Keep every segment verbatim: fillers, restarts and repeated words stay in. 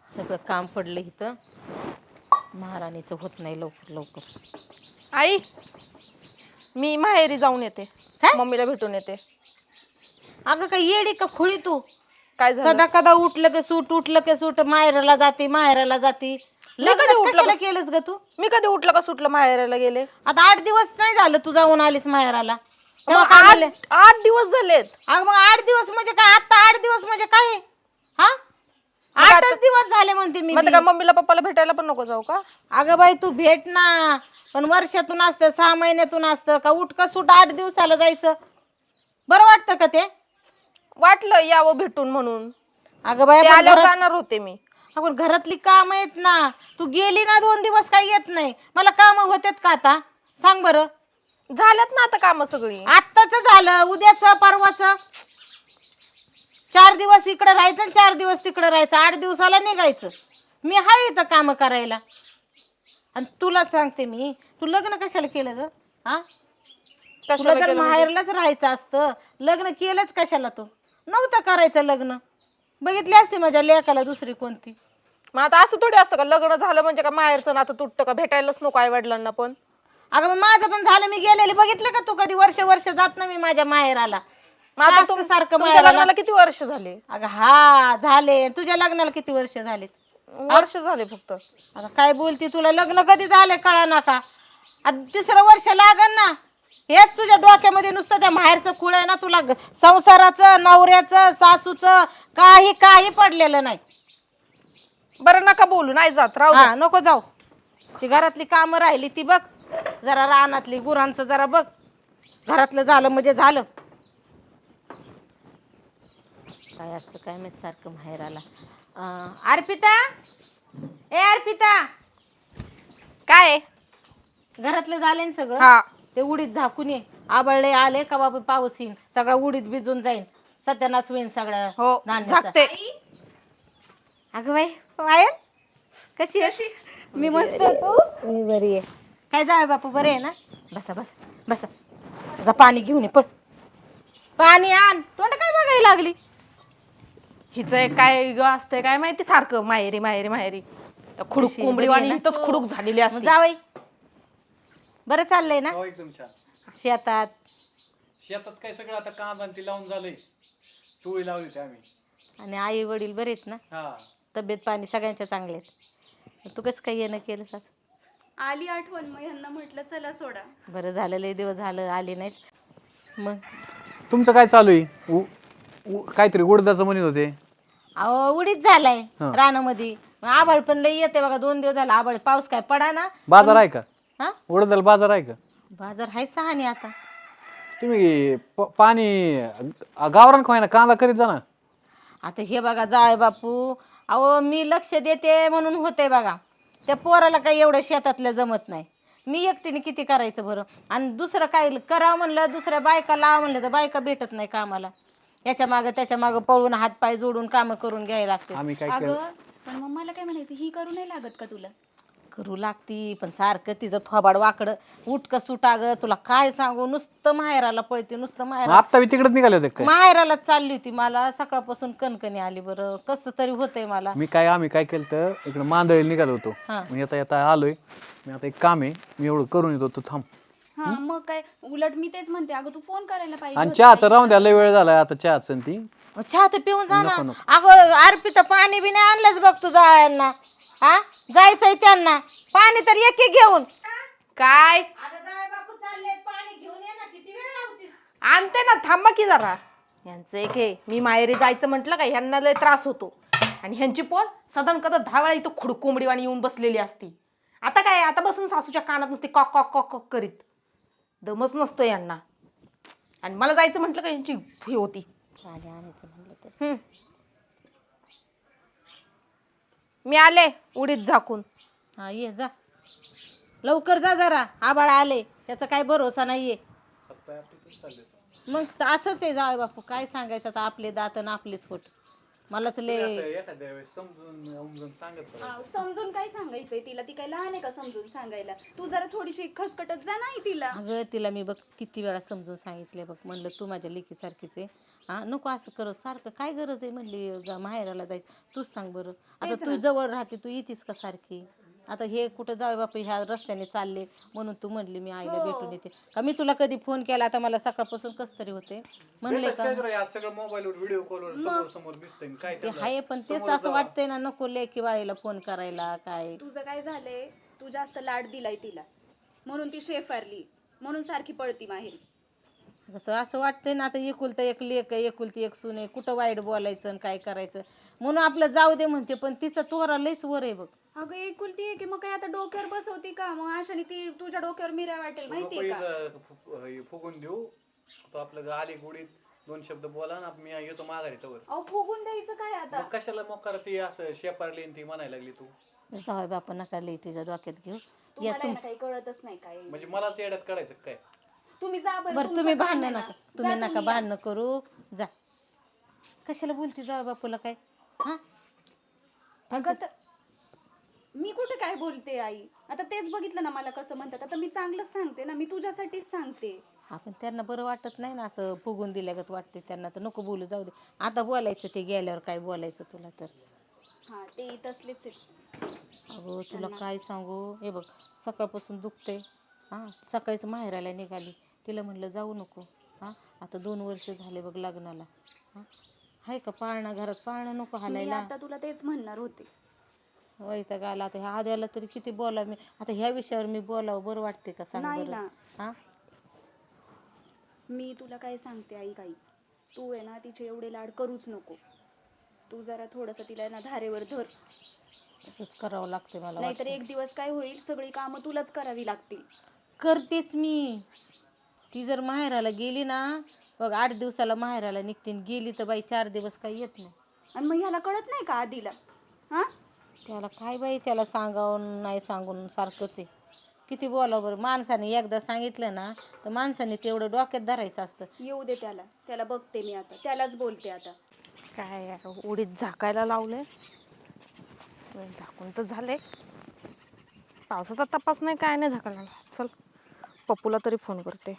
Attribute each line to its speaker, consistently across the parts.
Speaker 1: सगळं काम पडलं इथं. महाराणीचं होत नाही लवकर लवकर.
Speaker 2: आई मी माहेरी जाऊन येते.
Speaker 1: काय?
Speaker 2: मम्मीला भेटून येते.
Speaker 1: अगं काय येडी का खुळी तू?
Speaker 2: काय झालं?
Speaker 1: सदा कदा उठलं की सूट उठलं की सूट माहेराला जाते माहेराला जाते. लग्न
Speaker 2: कधी उठलं
Speaker 1: कशाला
Speaker 2: का?
Speaker 1: केलंस ग तू?
Speaker 2: मी कधी उठलं का सुटलं माहेराला गेले?
Speaker 1: आता आठ दिवस नाही झालं तू जाऊन आलीस माहेराला. तेव्हा
Speaker 2: मग
Speaker 1: काय
Speaker 2: आठ
Speaker 1: म्हणले?
Speaker 2: आठ दिवस झालेत.
Speaker 1: अगं मग आठ दिवस म्हणजे काय? आता आठ दिवस म्हणजे काय? हा आठच दिवस झाले म्हणते मी
Speaker 2: मग
Speaker 1: बी.
Speaker 2: का मम्मीला पप्पाला भेटायला पण नको जाऊ का?
Speaker 1: अगं बाई तू भेट ना, पण वर्षातून असतं सहा महिन्यातून असतं का? उठका सूट आठ दिवसाला जायचं बरं वाटतं का ते?
Speaker 2: वाटलं यावं भेटून म्हणून.
Speaker 1: अगं बाई
Speaker 2: ते
Speaker 1: आपण
Speaker 2: आल्यावर
Speaker 1: घरात-
Speaker 2: जाणार होते मी.
Speaker 1: आपण घरातली काम आहेत ना. तू गेली ना दोन दिवस काही येत नाही. मला काम होतात का आता? सांग बरं.
Speaker 2: झाल्यात ना आता काम सगळी.
Speaker 1: आत्ताच झालं, उद्याच परवाच. चार दिवस इकडे राहायचं आणि चार दिवस तिकडे राहायचं. आठ दिवसाला निघायचं. मी हाय इथं काम करायला. आणि तुला सांगते मी, तू लग्न कशाला केलं ग? हा तुला
Speaker 2: कशाला
Speaker 1: जर
Speaker 2: केलं म्हणजे?
Speaker 1: माहेरलाच राहायचं असतं, लग्न केलंच कशाला? तू नव्हतं करायचं लग्न. बघितली असते माझ्या लेकाला दुसरी कोणती.
Speaker 2: मग आता असं थोडी असतं का लग्न झालं म्हणजे का माहेरचं नातं तुटतं का? भेटायलाच नको आई वडिलांना पण.
Speaker 1: अगं मग माझं पण झालं, मी गेलेले बघितलं का तू? कधी वर्ष वर्ष जात ना मी माझ्या माहेराला.
Speaker 2: मग आता
Speaker 1: काय
Speaker 2: तुम-
Speaker 1: असतं सारखं
Speaker 2: तुमच्या
Speaker 1: माहेराला?
Speaker 2: लग्नाला किती वर्ष झाले?
Speaker 1: अगं हा झाले. तुझ्या लग्नाला किती वर्ष झालेत?
Speaker 2: वर्ष झाले फक्त.
Speaker 1: आता काय बोलती? तुला लग्न कधी झाले कळा ना का? आता तिसरं वर्ष लागन ना. हेच तुझ्या डोक्यामध्ये नुसतं त्या माहेरचं खुळ आहे ना. तुला ग- संसाराचं, नवऱ्याचं, सासूचं काही काही पडलेलं नाही.
Speaker 2: बरं नका बोलू, नाही जात, राहू
Speaker 1: हा नको जाऊ. ती घरातली कामं राहिली ती बघ. जरा रानातली गुरांचं जरा बघ. घरातलं झालं म्हणजे झालं. काय असतं काय माहित सारखं माहेराला. अं, अर्पिता, ए अर्पिता,
Speaker 2: काय?
Speaker 1: घरातलं झालंय ना सगळं?
Speaker 2: हा.
Speaker 1: ते उडीद झाकून ये. आबळले आले का बाबा पाऊस येईन, सगळा उडीद भिजून जाईन, सत्यानाश होईन सगळं
Speaker 2: हो
Speaker 1: धान्याचं.
Speaker 2: झाकते.
Speaker 1: अगं बाई पायल कशी अशी? मी मस्त तू? मी बरी आहे. काय जावे बापू बरे आहे ना? बसा बसा बसा. जा पाणी घेऊन ये पण. पाणी आण. तोंड काय बघायला लागली?
Speaker 2: हिचं काय ग असतंय काय माहिती सारखं माहेरी माहेरी माहेरी. त्या खुडूक
Speaker 1: कशी
Speaker 2: कोंबडी
Speaker 1: बरी आहे
Speaker 2: वाणी
Speaker 1: ना?
Speaker 2: इथंच खुडूक झालेली
Speaker 1: मग
Speaker 2: असते.
Speaker 1: जावई बरं चाललंय ना?
Speaker 3: हो एकदम छान.
Speaker 1: शेतात?
Speaker 3: शेतात काय सगळं आता कांदा आणि ती लावून झालंय. टोळी लावली होती आम्ही.
Speaker 1: आणि आई वडील बरे आहेत ना?
Speaker 3: हा
Speaker 1: तब्येत पाणी सगळ्यांच्या चांगले आहेत. तू कसं काही येणं केलं सात?
Speaker 4: आली आठवण, मग ह्यांना म्हटलं चला सोडा.
Speaker 1: बरं झालं, लय दिवस झालं आली नाहीस. मग
Speaker 3: तुमचं काय चालू आहे? उ- उ- काहीतरी उडदाचं म्हणत होते.
Speaker 1: अहो उडीच झालाय
Speaker 3: हा.
Speaker 1: रानामध्ये. आबाळ पण लय येते बघा. दोन दिवस झाला आबाळ, पाऊस काय पडा ना.
Speaker 3: बाजार आहे का?
Speaker 1: हा
Speaker 3: उडदाला बाजार आहे का?
Speaker 1: बाजार हाय सहानी आता.
Speaker 3: तुम्ही प- पाणी गावरान खाय ना कांदा करीत जा ना.
Speaker 1: आता हे बघा जाय बापू, अहो मी लक्ष देते म्हणून होते बघा. त्या पोराला काही एवढं शेतातलं जमत नाही. मी एकटीने किती करायचं बरं? आणि दुसरं काय करावं म्हणलं, दुसऱ्या बायका लावा म्हणलं तर बायका भेटत नाही कामाला. याच्या मागं त्याच्या मागं पळून हात पाय जोडून कामं करून घ्यायला लागते.
Speaker 3: आम्ही काय केलं?
Speaker 4: अगं पण मग मला काय म्हणायचं, ही करू नाही लागत का तुला?
Speaker 1: करू लागती, पण सारखं तिचं थोबाड वाकडं उठक सुटा ग. तुला काय सांगू, नुसतं माहेराला पळते, नुसतं माहेरा
Speaker 3: आता मी तिकडेच निघाले होते काय?
Speaker 1: माहेराला चालली होती. मला सकाळपासून कणकणी आली बरं. कसं तरी होतंय मला.
Speaker 3: मी काय आम्ही काय केलं तर इकडे मांदळी निघालो होतो.
Speaker 1: हा.
Speaker 3: मी आता येता आलोय. मी आता एक काम आहे, मी एवढं करून येतो, तू थांब.
Speaker 4: हा मग काय, उलट मी तेच म्हणते, अगं तू फोन करायला पाहिजे
Speaker 3: आणि
Speaker 4: होता.
Speaker 3: चहाचं राहून द्या, लय वेळ झालाय आता चहाचं आणि ती.
Speaker 1: मग चहा तर पिऊन जा ना.
Speaker 3: नको, नको.
Speaker 1: अगं अर्पिता पाणी बी नाही आणलंच बघ तुझा यांना. हा जायचंय त्यांना, पाणी तर एक एक घेऊन.
Speaker 2: काय
Speaker 1: बापू चालले पाणी घेऊन ये ना. किती वेळ लावतीस?
Speaker 2: आणते ना, थांबा की जरा. यांचं एक हे, मी माहेरी जायचं म्हटलं का ह्यांना लय त्रास होतो. आणि ह्यांची पोर सदन कदा दहा वेळा इथं खुडूक कोंबडीवाणी येऊन बसलेली असती. आता काय, आता बसून सासूच्या कानात नुसती कॉक कॉक कॉक कॉक करीत. दमच नसतो यांना. आणि मला जायचं म्हटलं का यांची हे होती.
Speaker 1: पाणी आणायचं म्हणलं तर.
Speaker 2: हम्म. मी आले उडीद झाकून.
Speaker 1: हा ये जा लवकर जा जरा. आबाळ आले, त्याचा काय भरोसा नाहीये. मग तर असंच आहे जाय बापू. काय सांगायचं आता, आपले दात आणि आपलेच होत. मलाच
Speaker 3: तुम्ही
Speaker 1: लय
Speaker 3: असं एखाद्या वेळेस समजून समजून सांगत बघा.
Speaker 4: आ, समजून काय सांगायचंय तिला? ती काय लहान आहे का समजून सांगायला? तू जरा थोडीशी खसकटत जा नाही तिला.
Speaker 1: अगं तिला मी बघ किती वेळा समजून सांगितले बघ, म्हणलं तू माझ्या लेकीसारखीच आहे हा, नको असं करत सारखं, काय गरज आहे म्हणली जा माहेराला जायचं, तूच सांग बरं. आता तू जवळ राहते, तू येतीस का सारखी? आता हे कुठं जावे बापू ह्या रस्त्याने चालले म्हणून तू म्हणली मी आईला भेटून येते का? मी तुला कधी फोन केला? आता मला सकाळपासून कस तरी होते म्हणले
Speaker 3: भेटच
Speaker 1: का
Speaker 3: काय करा, आज सगळं मोबाईलवर व्हिडिओ कॉलवर समोर समोर दिसतंय काय
Speaker 1: ते
Speaker 3: त्याला?
Speaker 1: आहे, पण तेच
Speaker 3: समोर
Speaker 1: असं
Speaker 3: जावा.
Speaker 1: वाटतंय ना नको लेकी बाळीला फोन करायला काय.
Speaker 4: तुझं काय झालंय? तू जास्त लाड दिलाय तिला म्हणून ती शेफारली, म्हणून सारखी पळती माहेरी.
Speaker 1: कसं असं वाटतंय ना, आता एकुलता एक लेक आहे, एकुलती एक सून आहे, कुठं वाईट बोलायचं आणि काय करायचं म्हणून आपलं जाऊ दे म्हणते, पण तिचं तोरा लयच वर आहे बघ.
Speaker 4: अगं एकुलती आहे की मग काय आता डोक्यावर बसवती का? मग अशाने ती तुझ्या डोक्यावर मिऱ्या वाटेल माहितीये का?
Speaker 3: नको इथं हे फुगून देऊ. तो आपलं आली गुडीत दोन शब्द बोला ना, मी येतो माघारी तवर.
Speaker 4: अहो फुगून द्यायचं काय आता?
Speaker 3: मग कशाला मोकार ती असं शेपारली आणि ती म्हणायला लागली तू?
Speaker 1: जाऊ बापा नका लई तिच्या डोक्यात घेऊ. या
Speaker 4: तुम्हाला
Speaker 1: तुम
Speaker 4: आहे ना काही कळतच नाही काय.
Speaker 3: म्हणजे मलाच येड्यात काढायचं काय?
Speaker 4: तुम्ही जा बरं.
Speaker 1: बरं
Speaker 4: तुमचं
Speaker 1: तुम्ही
Speaker 4: काम
Speaker 1: भांडणं
Speaker 4: आहे ना.
Speaker 1: नका, तुम्ही
Speaker 4: जा
Speaker 1: नका
Speaker 4: तुम्ही या.
Speaker 1: भांडणं करू, जा. कशाला बोलती जाऊ बापूला काय हा?
Speaker 4: अगं तर मी कुठे काय बोलते आई? आता तेच बघितलं ना मला कसं म्हणतात. आता मी चांगलंच सांगते ना, मी तुझ्यासाठीच सांगते.
Speaker 1: हा पण त्यांना बरं वाटत नाही ना, असं फुगून दिल्यागत वाटते त्यांना, तर नको बोलू, जाऊ दे. आता बोलायचं ते गेल्यावर काय बोलायचं तुला तर.
Speaker 4: हा ते तसलेच आहेत.
Speaker 1: अगं तुला काय सांगू, हे बघ सकाळपासून दुखते हां, सकाळीच माहेराला निघाली, तिला म्हणलं जाऊ नको हां, आता दोन वर्ष झाले बघ लग्नाला हां, आहे का पाळणा घरात, पाळणं नको
Speaker 4: मी
Speaker 1: हालायला.
Speaker 4: आता तुला तेच म्हणणार होते.
Speaker 1: वैताग आला आता ह्या आद्याला तरी किती बोला मी, आता ह्या विषयावर मी बोलावं बरं वाटते का सांग
Speaker 4: नाही
Speaker 1: बरं
Speaker 4: ना.
Speaker 1: हां.
Speaker 4: मी तुला काय सांगते आई, काही तू आहे ना तिचे एवढे लाड करूच नको. तू जरा थोडंसं तिला ना धारेवर धर,
Speaker 1: तसंच करावं लागते मला
Speaker 4: नाहीतर
Speaker 1: वाटतं.
Speaker 4: एक दिवस काय होईल सगळी कामं तुलाच करावी लागतील.
Speaker 1: करतेच मी. ती जर माहेराला गेली ना बघ, आठ दिवसाला माहेराला निघते आणि गेली तर बाई चार दिवस काही येत नाही.
Speaker 4: आणि मग ह्याला कळत नाही का आधीला? हा
Speaker 1: त्याला काय बाई, त्याला सांगावून नाही सांगून सारखंच आहे. किती बोलावं बरं, माणसाने एकदा सांगितलं ना तर माणसाने तेवढं डोक्यात धरायचं असतं.
Speaker 4: येऊ दे त्याला, त्याला बघते मी आता, त्यालाच बोलते आता.
Speaker 2: काय यार, उडीत झाकायला लावले, झाकून तर झाले. पावसाचा तपास नाही, काय नाही झाकायला. चल पप्पूला तरी फोन करते.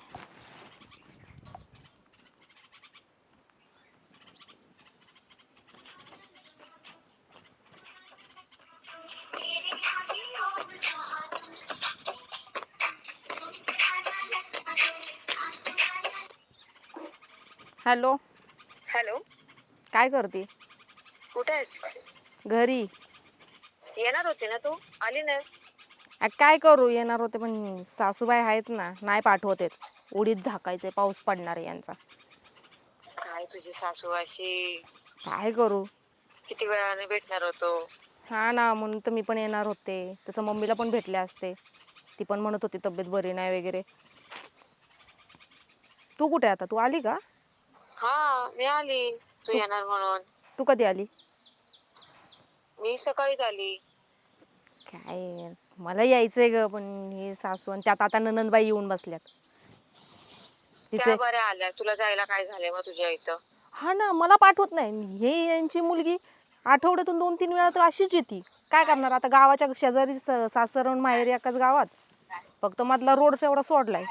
Speaker 2: हॅलो,
Speaker 5: हॅलो,
Speaker 2: काय करते?
Speaker 5: कुठे आहेस?
Speaker 2: घरी.
Speaker 5: येणार होती ना तू? आली नाही.
Speaker 2: आ, काय करू, येणार होते पण सासूबाई आहेत ना, नाही पाठवत आहेत. उडीत झाकायचे, पाऊस पडणार आहे यांचा.
Speaker 5: काय तुझी सासू अशी?
Speaker 2: काय करू?
Speaker 5: किती वेळाने भेटणार होतो.
Speaker 2: हा ना, म्हणून तर मी पण येणार होते. तसं मम्मीला पण भेटले असते, ती पण म्हणत होती तब्येत बरी नाही वगैरे. तू कुठे आता? तू आली का?
Speaker 5: हा, मी आली तू येणार म्हणून.
Speaker 2: तू कधी आली?
Speaker 5: मी सकाळीच आली.
Speaker 2: काय, मला यायचंय ग, पण हे सासू आणि त्यात आता ननंदबाई येऊन बसल्यात.
Speaker 5: त्या
Speaker 2: तिचे
Speaker 5: बऱ्या आल्या, तुला जायला काय झालंय मग तुझ्या इथं?
Speaker 2: हा ना, मला पाठवत नाही. हे यांची मुलगी आठवड्यातून दोन तीन वेळा तर अशीच येते. काय करणार आता, गावाच्या शेजारी सासर आणि माहेर एकाच गावात, फक्त मधला रोड एवढा सोडलाय.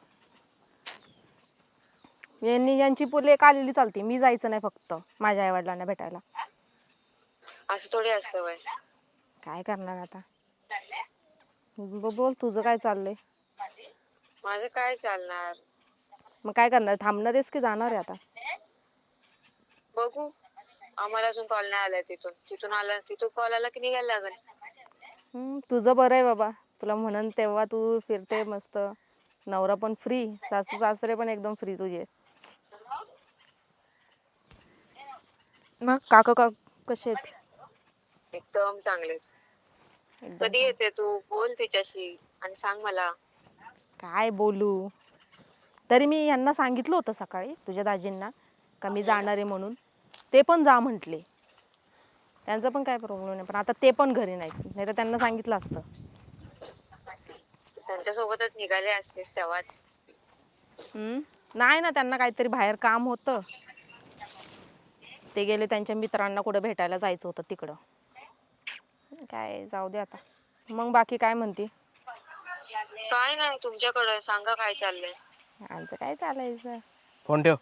Speaker 2: यांनी यांची लेक आलेली चालते, मी जायचं नाही फक्त माझ्या आई वडिलांना भेटायला.
Speaker 5: असं थोडी असतं वय.
Speaker 2: काय करणार आता. ब- बोल तुझं काय चाललंय?
Speaker 5: माझं काय चालणार?
Speaker 2: मग काय करणार, थांबणार आहेस की जाणार आहे आता?
Speaker 5: बघू, आम्हाला अजून कॉल नाही आलाय तिथून. तिथून आला, तिथून कॉल आला की निघायला लागेल.
Speaker 2: हम्म, तुझं बरं आहे बाबा, तुला म्हणन तेव्हा तू फिरते मस्त. नवरा पण फ्री, सासू सासरे पण एकदम फ्री तुझे. मग काका का कसे आहेत?
Speaker 5: एकदम चांगले.
Speaker 2: एकदम
Speaker 5: कधी येते तू? बोल तिच्याशी आणि सांग मला.
Speaker 2: काय बोलू, तरी मी यांना सांगितलं होतं सकाळी तुझ्या दाजींना का मी जाणार आहे म्हणून. ते पण जा म्हटले, त्यांचा पण काय प्रॉब्लेम नाही. पण आता ते पण घरी नाहीत, नाही तर त्यांना सांगितलं असतं.
Speaker 5: त्यांच्यासोबतच निघाले असतेस तेव्हाच.
Speaker 2: हम्म, नाही ना, त्यांना काहीतरी बाहेर काम होतं. ते गेले त्यांच्या मित्रांना कुठं भेटायला जायचं होतं तिकडं. काय जाऊ दे आता. मग बाकी काय म्हणते?
Speaker 5: काय नाही तुमच्याकडे सांगा काय चाललंय.
Speaker 2: आमचं काय चालायचं.
Speaker 6: फोन ठेव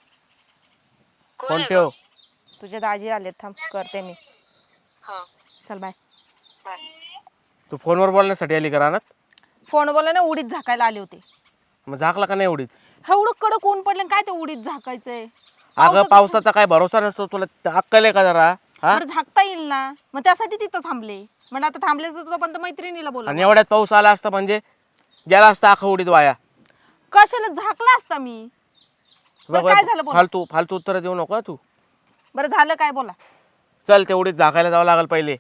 Speaker 5: कोण
Speaker 6: फोन
Speaker 5: आहे
Speaker 6: ठेव.
Speaker 2: तुझे दाजी आलेत, थांब करते मी.
Speaker 5: हा
Speaker 2: चल बाय.
Speaker 5: बाय.
Speaker 6: तू फोनवर बोलण्यासाठी आली का रानात?
Speaker 2: फोन बोला ना, उडीत झाकायला आले होते.
Speaker 6: मग झाकला का नाही एवढीच?
Speaker 2: एवढं कडक ऊन पडलं काय ते उडीत झाकायचंय.
Speaker 6: अगं पावसाचा काय भरोसा नसतो, तुला अक्कल आहे का जरा? हा?
Speaker 2: बरं झाकता येईल ना, मग त्यासाठी तिथं थांबले. म्हणजे आता थांबले तर पण मैत्रिणीला बोला.
Speaker 6: आणि एवढ्यात पाऊस आला असता म्हणजे गेला असता अख्खा उडीत वाया.
Speaker 2: कशाला झाकला असता मी. बरं, काय झालं बोला.
Speaker 6: फालतू फालतू उत्तर देऊ नको तू.
Speaker 2: बरं झालं काय बोला.
Speaker 6: चल ते उडीत झाकायला जावं लागेल पहिले.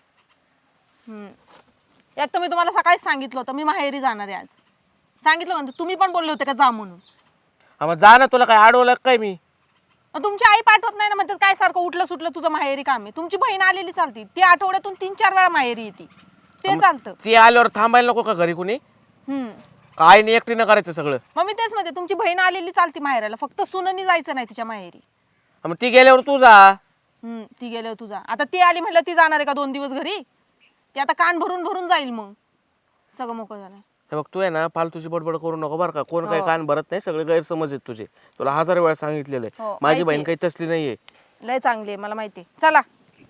Speaker 2: हम्म. एक तर मी तुम्हाला सकाळीच सांगितलं होतं मी माहेरी जाणार आहे आज. सांगितलं म्हणते, तुम्ही पण बोलले होते का जा म्हणून.
Speaker 6: हा मग जा ना, तुला काय अडवलं काय मी?
Speaker 2: मग तुमची आई पाठवत नाही ना, म्हणतात काय सारखं उठलं सुटलं तुझं माहेरी काम आहे. तुमची बहीण आलेली चालती, ती आठवड्यातून तीन चार वेळा माहेरी येते, ते चालतं.
Speaker 6: ती आल्यावर थांबायला नको का घरी कुणी?
Speaker 2: हम्म.
Speaker 6: काय नाही, एकटीनं करायचं सगळं.
Speaker 2: मग मी तेच म्हणते, तुमची बहीण आलेली चालती माहेराला, फक्त सुननी जायचं नाही तिच्या माहेरी.
Speaker 6: हा मग ती गेल्यावर तू जा.
Speaker 2: हम्म. ती गेल्यावर तुझा आता ती आली म्हटलं ती जाणार आहे का दोन दिवस घरी? ती आता कान भरून भरून जाईल, मग सगळं मोकळं झालं.
Speaker 6: हे बघ तू आहे ना फालतूची बडबड करू नको बरं का. कोण काही
Speaker 2: हो.
Speaker 6: कान भरत नाही, सगळे गैरसमज आहेत तुझे. तुला हजार वेळा सांगितलेलं
Speaker 2: हो,
Speaker 6: आहे. माझी
Speaker 2: माहिती
Speaker 6: बहीण
Speaker 2: आहे.
Speaker 6: काही तसली नाहीये.
Speaker 2: लय चांगली आहे, मला माहिती आहे. चला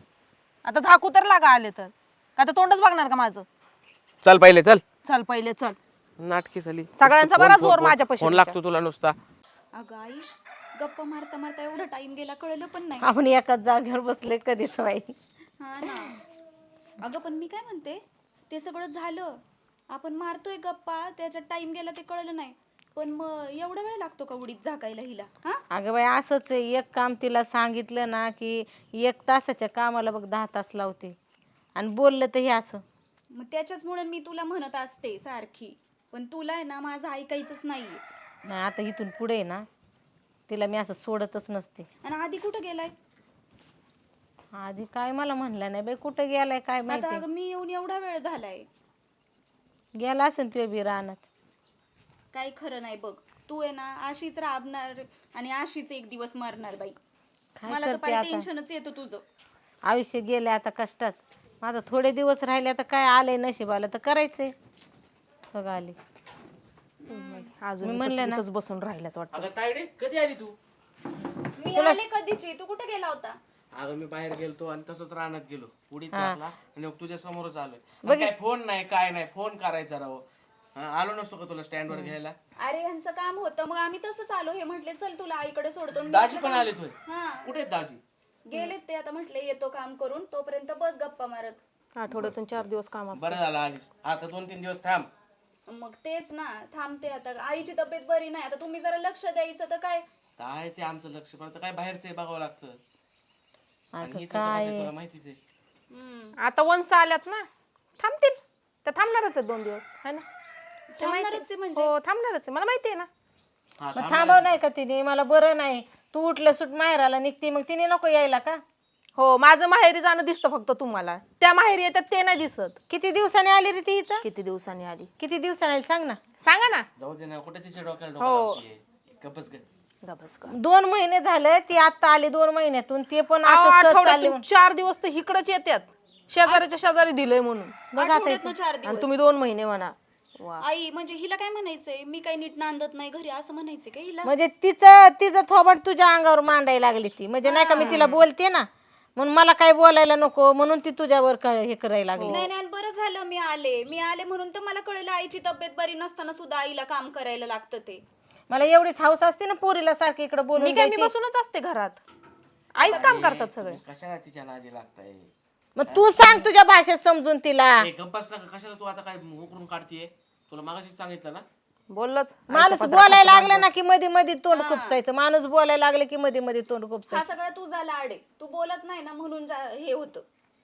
Speaker 2: आता झाकू तर लागा आले तर. का तर तोंडच बघणार का माझं?
Speaker 6: चल पहिले चल.
Speaker 2: चल पहिले चल.
Speaker 6: नाटकी झाली.
Speaker 2: सगळ्यांचा
Speaker 6: फोन-
Speaker 2: बरा
Speaker 6: फोन-
Speaker 2: जोर
Speaker 6: फोन-
Speaker 2: माझ्यापाशी
Speaker 6: फोन
Speaker 2: तुमच्या.
Speaker 6: लागतो तुला नुसता.
Speaker 4: अगं आई, गप्पा मारता मारता एवढा टाइम गेला कळलं पण नाही.
Speaker 1: आपण एकाच जागेवर बसले कधीच बाई.
Speaker 4: हा ना. अगं पण मी काय म्हणते, ते सगळं झालं, आपण मारतोय गप्पा, त्याच्यात टाइम गेला ते कळलं नाही. पण मग एवढा वेळ लागतो का उडीत झाकायला हिला? हा
Speaker 1: अगं बाई असंच आहे, एक काम तिला सांगितलं ना की एक तासाच्या कामाला बघ दहा तास लावते, आणि बोललं तर हे असं.
Speaker 4: मग त्याच्याचमुळे मी तुला म्हणत असते सारखी, पण तुला आहे ना माझं ऐकायचंच नाहीये.
Speaker 1: नाही आता इथून पुढे आहे ना तिला मी असं सोडतच नसते.
Speaker 4: आणि आधी कुठं गेलाय?
Speaker 1: आधी काय मला म्हणलं नाही बाई, कुठं गेलाय काय
Speaker 4: आता
Speaker 1: माहिती.
Speaker 4: अगं मी येऊन एवढा वेळ झालाय.
Speaker 1: गेला असेल तुझ्या बी रानात.
Speaker 4: काही खरं नाही बघ. तू आहे ना अशीच राबणार आणि अशीच एक दिवस मरणार बाई.
Speaker 1: काय
Speaker 4: मला तर
Speaker 1: करते
Speaker 4: पाहिजे
Speaker 1: आता?
Speaker 4: टेन्शनच येतं तुझं.
Speaker 1: आयुष्य गेले आता कष्टात. माझं थोडे दिवस राहिले आता काय आलंय नशिबाला तर करायचंय. बघा आली.
Speaker 2: अजून
Speaker 1: मी म्हणलं ना.
Speaker 2: इथंच बसून राहिल्यात वाटतं.
Speaker 6: अगं तायडे कधी आली तू?
Speaker 4: मी आले कधीची, तू कुठे गेला होता?
Speaker 6: अगं मी बाहेर गेलतो आणि तसंच रानात गेलो, उडीत
Speaker 1: हा.
Speaker 6: टाकला आणि मग तुझ्या समोरच आलोय. आणि काय फोन नाही काय नाही, फोन करायचा राव. हा, आलो नसतो का तुला स्टँड वर घ्यायला?
Speaker 4: अरे यांचं काम होतं, मग आम्ही तसंच आलो. हे म्हटले चल तुला आईकडे सोडतो. मी
Speaker 6: दाजी
Speaker 4: म्हटलं
Speaker 6: पण आले तुझे?
Speaker 4: हा
Speaker 6: कुठे आहेत दाजी?
Speaker 4: गेलेत ते. आता म्हटले येतो काम करून, तोपर्यंत बस गप्पा मारत.
Speaker 2: आठवड्यातून चार दिवस काम असतं.
Speaker 6: बरं झालं आलीस. आता दोन तीन दिवस थांब.
Speaker 4: मग तेच ना, थांबते आता. आईची तब्येत बरी नाही, आता तुम्ही जरा लक्ष द्यायचं तर काय.
Speaker 6: कायच आहे आमचं लक्ष, पण आता काय बाहेरचं आहे बघावं लागतं. आणि
Speaker 1: अगं
Speaker 6: हिचं तर कसं
Speaker 1: काय
Speaker 6: आहे तुला माहितीच आहे.
Speaker 4: हम्म.
Speaker 2: आता वंस आल्यात ना, थांबतील. तर थांबणारच आहेत दोन दिवस, है ना? ते माहिती-
Speaker 4: थांबणारच आहे म्हणजे?
Speaker 2: हो थांबणारच आहे, मला माहिती आहे ना.
Speaker 6: हा,
Speaker 1: मग थांबव नाही का तिने? मला बरं नाही, तू उठलं सुट माहेराला निघते, मग तिने नको यायला का?
Speaker 2: हो माझं माहेरी जाणं दिसतं फक्त तुम्हाला, त्या माहेरी येतात ते नाही दिसत.
Speaker 1: किती दिवसांनी आली रे ती इथं?
Speaker 2: किती दिवसांनी आली
Speaker 1: किती दिवसांनी आली सांग ना.
Speaker 2: सांगा ना.
Speaker 6: जाऊ दे ना, कुठे तिच्या डोक्याला
Speaker 2: हो.
Speaker 6: डोकं लावतीये. गप्पच गं.
Speaker 2: गबस का.
Speaker 1: दोन महिने झाले ती आता आली, दोन महिन्यातून. ते पण
Speaker 2: अहो,
Speaker 1: असं सहज चालली
Speaker 2: आठवड्यातून
Speaker 1: म्हणून.
Speaker 2: चार दिवस तर इकडच येतात, शेजाऱ्याच्या शेजारी दिलंय म्हणून.
Speaker 1: बघ आता
Speaker 4: आठवड्यातनं
Speaker 1: इथं.
Speaker 4: चार
Speaker 2: आणि
Speaker 4: दिवस.
Speaker 2: तुम्ही दोन महिने म्हणा. वा.
Speaker 4: आई म्हणजे हिला काय म्हणायचंय, मी काही नीट नांदत नाही घरी असं म्हणायचंय का हिला?
Speaker 1: म्हणजे तिचं तिचं थोबट तुझ्या अंगावर मांडायला लागली ती. म्हणजे नाही का मी तिला बोलते ना, म्हणून मला काय बोलायला नको म्हणून ती तुझ्यावर क- हे करायला लागली.
Speaker 4: नाही नाही, बरं झालं मी आले. मी आले म्हणून तर मला कळलं आईची तब्येत बरी नसताना सुद्धा आईला काम करायला लागतं ते.
Speaker 1: मला एवढीच हौस असते ना पोरीला सारखी इकडे
Speaker 2: मी
Speaker 1: बोलून
Speaker 2: काय मी
Speaker 1: द्यायची.
Speaker 2: बसूनच असते घरात, आईच काम करतात सगळे.
Speaker 6: कशाला तिच्या नादी लागताय?
Speaker 1: मग तू सांग तुझ्या भाषेत समजून तिला.
Speaker 6: ए, गप्प बस ना, कशाला तू आता काय उकरून काढतीये? तुला मागाशी सांगितलं ना.
Speaker 2: बोललंच.
Speaker 1: माणूस बोलायला लागला ना की मध्ये मध्ये तोंड खुपसायचं. माणूस बोलायला लागले की मध्ये मध्ये तोंड
Speaker 4: हा
Speaker 1: खुपसायचं.
Speaker 4: सगळा तुझा लाड आहे, तू बोलत नाही ना म्हणून जा- हे होतं.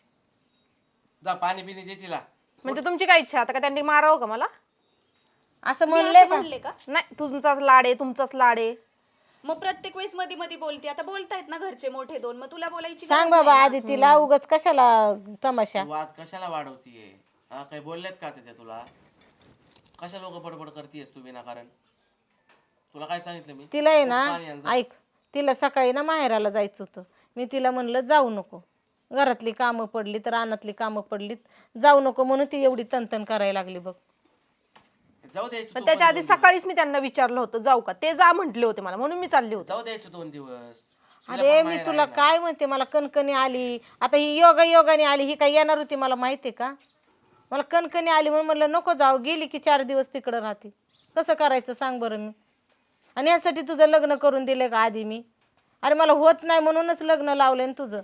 Speaker 6: जा पाणी पिणी दे तिला.
Speaker 2: म्हणजे तुमची काय इच्छा आता का त्यांनी मारावं का मला?
Speaker 1: असं
Speaker 4: मी
Speaker 1: म्हणले
Speaker 4: असं
Speaker 1: का?
Speaker 4: म्हणले का?
Speaker 2: नाही, तुमचाच लाड आहे, तुमचाच लाड आहे.
Speaker 4: मग प्रत्येक वेळेस मध्ये मध्ये बोलते. आता बोलतायत ना घरचे मोठे दोन, मग तुला बोलायची
Speaker 1: सांग
Speaker 4: गरज
Speaker 1: बाबा
Speaker 4: नाही
Speaker 1: आधी तिला, उगाच कशाला तमाशा.
Speaker 6: तू वाद कशाला वाढवतीये? हा काही बोलल्यात का त्याच्या तुला? कशा लोक बडबड करतीयस तू विनाकारण? तुला काय सांगितलं मी?
Speaker 1: तिला आहे ना,
Speaker 6: पाणी आण जा.
Speaker 1: ऐक, तिला सकाळी ना माहेराला जायचं होतं. मी तिला म्हणलं जाऊ नको, घरातली कामं पडली तर रानातली कामं पडलीत जाऊ नको म्हणून ती एवढी तनतन करायला लागली बघ.
Speaker 6: जाऊ द्यायचं
Speaker 2: पण
Speaker 6: तू
Speaker 2: त्याच्या
Speaker 6: पण
Speaker 2: आधी
Speaker 6: दोन दिवस.
Speaker 2: सकाळीच मी त्यांना विचारलं होतं जाऊ का, ते जा म्हटले होते मला, म्हणून मी चालले होते.
Speaker 6: जाऊ द्यायचं दोन दिवस. तिला
Speaker 1: अरे
Speaker 6: पण
Speaker 1: मी
Speaker 6: माहेर
Speaker 1: तुला
Speaker 6: आहे ना.
Speaker 1: काय म्हणते, मला कणकणी आली आता, ही योगा योगाने आली, ही काय येणार होती मला माहिती का? मला कणकणी आली म्हणून म्हणलं नको जाऊ, गेली की चार दिवस तिकडं राहते, कसं करायचं सांग बरं मी? आणि यासाठी तुझं लग्न करून दिलं का आधी मी? अरे मला होत नाही म्हणूनच लग्न लावलं ना तुझं.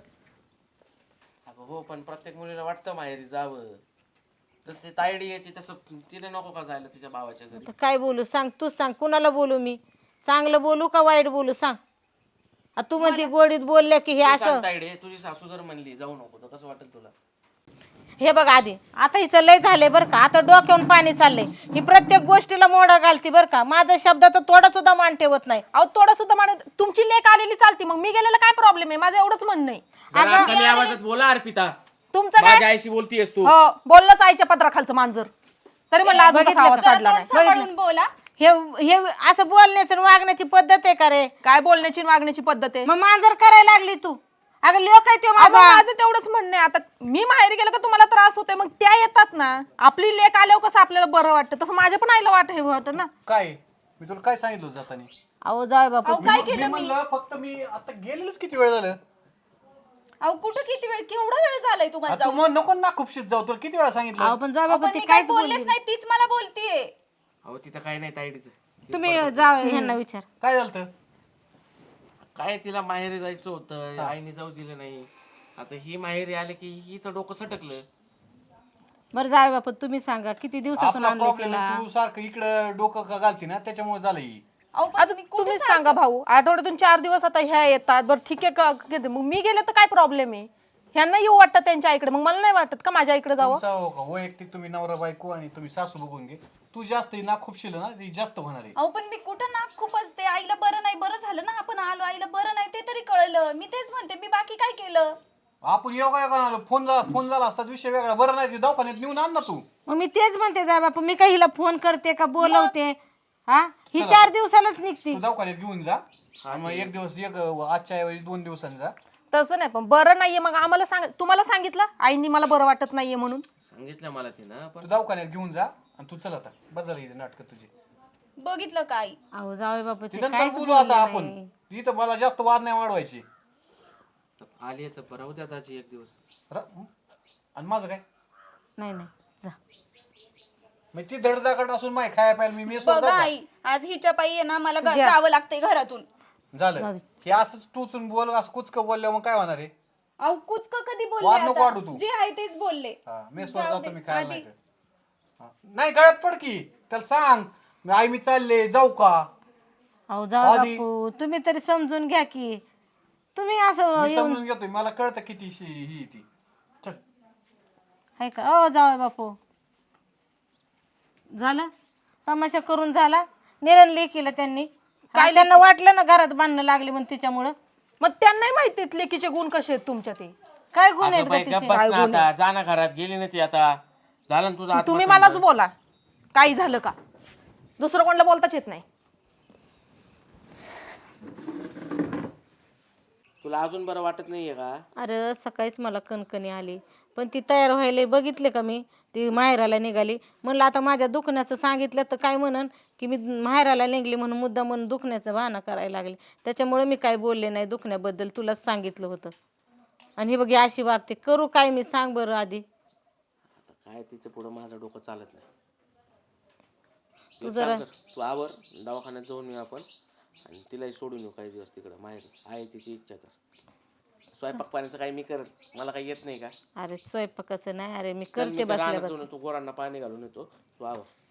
Speaker 6: अगं हो, पण प्रत्येक मुलीला वाटतं माहेरी जावं. तसे तायडी येते तसं तिला नको का जायला तिच्या भावाच्या घरी?
Speaker 1: आता काय बोलू सांग, तूच सांग, कुणाला बोलू मी? चांगलं बोलू का वाईट बोलू सांग? आ तू म्हणती गोडीत बोलल्या की हे
Speaker 6: तू
Speaker 1: असं.
Speaker 6: सांग तायडे, तुझी सासू जर म्हणली जाऊ नको तर कसं वाटेल तुला?
Speaker 1: हे बघ आधी आता हिचं लय झालंय बरं का, आता डोक्यावरून पाणी चाललंय, ही प्रत्येक गोष्टीला मोडा घालती बरं का, माझा शब्दाचा थोडा सुद्धा मान ठेवत नाही.
Speaker 2: अहो थोडं सुद्धा मान, तुमची लेक आलेली चालती, मग मी गेलेलं काय प्रॉब्लेम आहे? माझं एवढंच म्हणणं आहे.
Speaker 6: जरा कमी आवाजात बोला अर्पिता.
Speaker 2: तुमचं काय?
Speaker 6: माझ्या आईशी बोलतीयस तू?
Speaker 2: हो बोललंच आईच्या पत्राखालचं मांजर, तरी म्हणलं अजून कसा आवाज काढला नाही.
Speaker 4: सांभाळून बोला.
Speaker 1: हे हे असं बोलण्याचं आणि वागण्याची पद्धत आहे का रे?
Speaker 2: काय बोलण्याची आणि वागण्याची पद्धत आहे?
Speaker 1: मग मांजर करायला लागली तू. अगं लोक आहे ते
Speaker 2: अगं,
Speaker 1: माझा.
Speaker 2: माझं तेवढंच म्हणणं आहे. आता मी माहेरी गेलं का तुम्हाला त्रास होतोय, मग त्या येतात ना, आपली लेक आल्यावर कसं आपल्याला बरं वाटतं, तसं माझ्या पण आईला वाट हे वाटतं ना.
Speaker 3: काय मी तुला काय सांगितलं होतं जाताना?
Speaker 1: अहो जाय बापू,
Speaker 4: अहो काय
Speaker 3: मी
Speaker 4: केलं मी?
Speaker 3: म्हणलं फक्त मी आता गेलेलोच किती वेळ झालं.
Speaker 4: अहो कुठं किती वेळ, केवढा वेळ झालाय तुम्हाला
Speaker 3: आता तू मग नको ना खूपशीत जाऊ, तुला किती वेळा
Speaker 1: अहो
Speaker 3: सांगितलं?
Speaker 1: पण जाय
Speaker 4: अहो,
Speaker 1: बापू
Speaker 4: पण
Speaker 1: ती
Speaker 4: मी काय
Speaker 1: काहीच बोलली
Speaker 4: बोललेच नाही, तीच मला बोलतीये.
Speaker 6: अहो तिचं काय नाही तायडीचं.
Speaker 1: नाही. तुम्ही जा ह्यांना विचार.
Speaker 3: काय झालं?
Speaker 6: काय तिला माहेरी जायचं होतं, आईने जाऊ दिलं नाही. आता ही माहेरी आली की हिचं डोकं सटकलं.
Speaker 1: बरं जाय बापू तुम्ही सांगा किती दिवसातून
Speaker 3: आपला
Speaker 1: आणलं
Speaker 3: प्रॉब्लेम
Speaker 1: तिला?
Speaker 3: तू सारखं इकडं डोकं का घालती ना, त्याच्यामुळे झालं ही.
Speaker 4: अहो पण
Speaker 2: आता
Speaker 4: तुम्ही कुठे
Speaker 2: तुम्हीच सांगा भाऊ, आठवड्यातून चार दिवस आता ह्या येतात, बरं ठीक आहे का, किती- मग मी गेले तर काय प्रॉब्लेम आहे? ह्यांना येऊ वाटतं त्यांच्या आईकडे, मग मला नाही वाटत का माझ्या आईकडे जावं?
Speaker 3: तुमचा हो का वैयक्तिक तुम्ही नवरा बायको आणि तुम्ही सासू बघून घे. तू जास्त ना खूपशील ना, ती जास्त होणार आहे.
Speaker 4: अहो पण मी कुठं नाक खूप असते, आईला बरं नाही, बरं झालं ना आपण आलो, आईला बरं नाही ते तरी कळलं, मी तेच म्हणते, मी बाकी काय केलं?
Speaker 3: आपण योगा योगा आलो, फोन झाला फोन झाला असता विषय वेगळा. बरं नाही ते दवाखान्यात नेऊन आण ना तू.
Speaker 1: मग मी तेच म्हणते जाय बापू, मी काही हिला फोन करते का बोलवते? हा ही चार दिवसालाच निघते.
Speaker 3: तू दवाखान्यात घेऊन जा आणि मग एक दिवस एक आजच्या ऐवजी दोन दिवसांनी जा.
Speaker 2: तसं नाही, पण बरं नाहीये मग आम्हाला सांग, तुम्हाला सांगितलं आईनी मला बरं वाटत नाहीये म्हणून?
Speaker 6: सांगितलं मला तिनं,
Speaker 3: तू
Speaker 6: पण
Speaker 3: दवाखान्यात घेऊन जा आणि तू चल आता बस झालं इथे नाटक तुझी.
Speaker 4: बघितलं काय?
Speaker 1: अहो जावे बापू
Speaker 3: ती
Speaker 1: ते
Speaker 3: नंतर
Speaker 1: काहीच
Speaker 3: बोलू आता
Speaker 1: बोलले
Speaker 3: आपण.
Speaker 1: नाही.
Speaker 3: इथं मला जास्त वाद नाही वाढवायचे.
Speaker 6: आली तर बरं होत्या त्याची एक दिवस.
Speaker 3: र- आणि माझं काय
Speaker 1: नाही नाही जा.
Speaker 3: मग ती धडधाकट असून माय खाया पाहिजे मी मेस
Speaker 4: बघा आई, आज हिच्या पायी आहे ना मला ग- जावं लागतंय घरातून.
Speaker 3: झालं की असंच टोचून बोल, असं कुचकं बोलल्यावर मग काय होणार आहे?
Speaker 4: अहो कुचक कधी
Speaker 3: वाद
Speaker 4: बोलले
Speaker 3: नको वाढू तू.
Speaker 4: आता? जे आहे तेच बोलले.
Speaker 3: हा मेसवर
Speaker 4: जाऊ
Speaker 3: जातो
Speaker 4: दे,
Speaker 3: मी खायला
Speaker 4: आधी.
Speaker 3: नाही तर. हा. नाही गळ्यात पड की त्याला सांग मी आई मी चालले जाऊ का.
Speaker 1: अहो जावे
Speaker 3: आधी-
Speaker 1: बापू तुम्ही तरी समजून घ्या की. तुम्ही असं
Speaker 3: मी
Speaker 1: येऊन
Speaker 3: समजून घेतोय, मला कळतं किती शी- ही ती. चल
Speaker 1: आहे का? अहो जावे बापू झालं तमाशा करून झाला. निरण लेकीला त्यांनी काय त्यांना वाटलं ना घरात बांधणं लागली म्हणून तिच्यामुळं.
Speaker 2: मग त्यांनाही माहिती लेकीचे गुण कसे आहेत तुमच्या ते.
Speaker 1: काय गुण आहेत
Speaker 6: अगं
Speaker 1: ग
Speaker 6: बाई,
Speaker 1: तिचे?
Speaker 6: गप्प बस ना आता. जा ना घरात, गेली ना ती आता. झालं ना तुझं
Speaker 2: तुम्ही
Speaker 6: आत्महत्या.
Speaker 2: मलाच बोला काही झालं का, दुसरं कोणाला बोलताच येत नाही.
Speaker 6: तुला अजून बरं वाटत नाहीये का?
Speaker 1: अरे सकाळीच मला कणकणी आली पण ती तयार व्हायला बघितले का मी, ती माहेराला निघाली. म्हणलं आता माझ्या दुखण्याचं सांगितलं तर काय म्हणन की मी माहेराला निघली म्हणून मुद्दा म्हणून दुखण्याचं बहाणा करायला लागले. त्याच्यामुळे मी काय बोलले नाही दुखण्याबद्दल, तुलाच सांगितलं होतं. आणि ही बघी अशी वागते, करू काय मी सांग बरं आधी.
Speaker 6: आता काय तिचं पुढं माझं डोकं चालत नाही.
Speaker 1: तू
Speaker 6: एक
Speaker 1: जरा-
Speaker 6: काम कर, तू आवर दवाखान्यात जाऊन येऊ आपण आणि तिलाही सोडून येऊ काही दिवस तिकडं माहेर. आहे तिची इच्छा तर. स्वयंपाक पाण्याचं काही मी करत, मला काही येत नाही का?
Speaker 1: अरे स्वयंपाकाचं नाही, अरे मी
Speaker 6: चल, मी
Speaker 1: करते
Speaker 6: त्या
Speaker 1: बसल्या
Speaker 6: रानात
Speaker 1: बस.
Speaker 6: जाऊन तू गोरांना पाणी घालून येतो, तू आवर.